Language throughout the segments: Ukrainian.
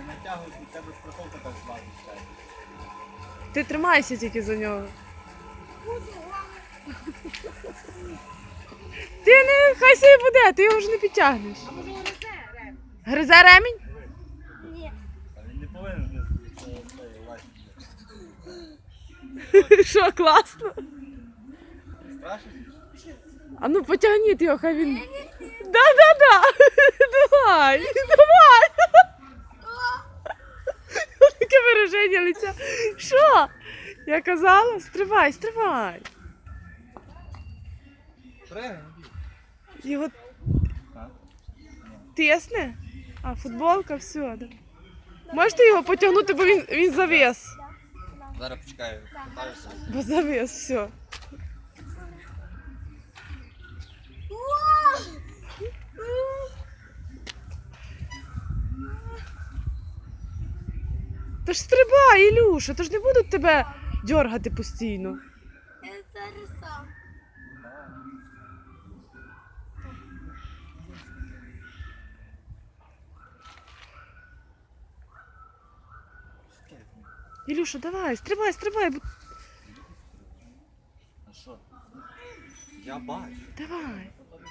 Не натягуй, у тебе страховка так злазить. Ти тримайся тільки за нього. Ти не, хай собі буде, ти його вже не підтягнеш. А може гризе ремінь? Гризе ремінь? Ні. А він не повинен Що, класно? Страшно? А ну потягніть його, хай він... Да. Давай. Таке вираження лиця. Що? Я казала, стривай. Його тисне? А, футболка, все. Да. Можете його потягнути, бо він завис. Зараз почекаю, питаюся. Бо завис, все. Та ж стрибай, Ілюша, то ж не будуть тебе дьоргати постійно. Я зараз сам. Ілюша, давай, стрибай. А що? Я бачу. Давай.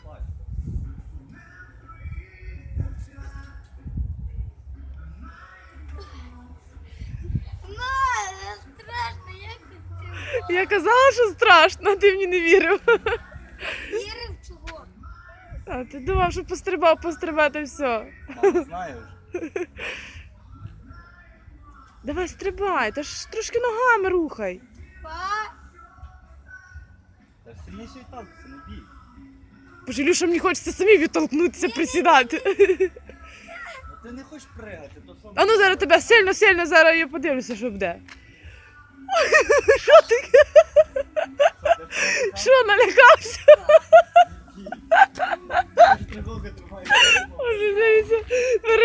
Ма, страшно, як ти Я казала, що страшно, а ти мені не вірив. вірив чого? А ти думав, що пострибати все. Мама знає вже. Давай, стрибай, та ж трошки ногами рухай. Па, Та сильніше відталкуйся, не бій. Боже, Ілюша, мені хочеться самі відтолкнутися, присідати. Ну ти не хочеш пригати, то що? А ну зараз тебе сильно, зараз я подивлюся, що буде. Що таке? Що, налякався? Страховка тримає. Боже, дивіться,